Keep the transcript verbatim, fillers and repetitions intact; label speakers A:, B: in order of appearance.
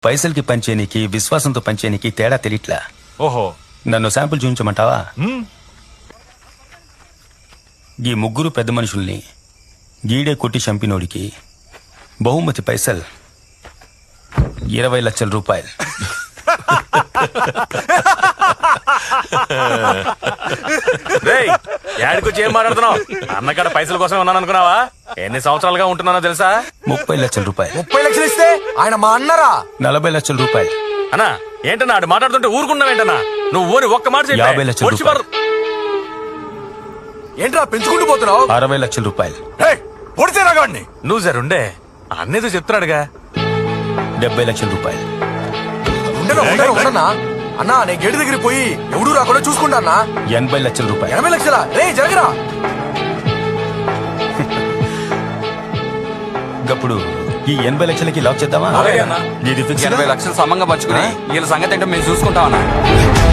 A: పైసలకి పంచేనికి విశ్వాసంతో పంచేనికి తేడా తెలియట్లా.
B: ఓహో,
A: నన్ను శాంపుల్ చూపించమంటావా? ఈ ముగ్గురు పెద్ద మనుషుల్ని గీడే కొట్టి చంపినోడికి బహుమతి పైసల్ ఇరవై లక్షల రూపాయలు.
B: యాడికొచ్చి ఏం మాట్లాడుతున్నావు? అన్నకాడ పైసల కోసం ఉన్నాను అనుకున్నావా? ఎన్ని సంవత్సరాలుగా ఉంటున్నానో తెలుసా?
A: ముప్పై లక్షల రూపాయలు.
C: ముప్పై లక్షలు ఇస్తే ఆయన మా అన్నరా?
A: నలభై లక్షల రూపాయలు.
B: అన్నా ఏంటన్నా ఆడు మాట్లాడుతుంటే ఊరుకున్నావేంటన్నా? నువ్వు ఊరి ఒక్క మాట చెప్పు.
A: యాభై లక్షల
B: వచ్చి
A: రూపాయలు.
C: ఏంట్రా పెంచుకుంటూ పోతున్నావు?
A: అరవై లక్షల రూపాయలు.
C: పొడితే రాగాడిని.
B: నువ్వు జరుండే అన్నేదో చెప్తున్నాడుగా.
A: డెబ్బై లక్షల రూపాయలు.
C: ఉండను ఉండను ఉండనా అన్నా, నేను గేటు దగ్గర పోయి ఎవడూ రాకుండా చూసుకుంటా అన్నా.
A: ఎనభై లక్షల రూపాయలు.
C: ఎనభై లక్షల రే జరగరా.
A: ఇప్పుడు ఈ ఎనభై లక్షలకి లాక్ చేద్దామా?
B: అలాగే అన్నా.
A: ఇది ఫిక్స్.
D: ఎనభై లక్షలు సమంగా పంచుకుని వీళ్ళ సంగతి ఏంటో మేము చూసుకుంటామన్నా.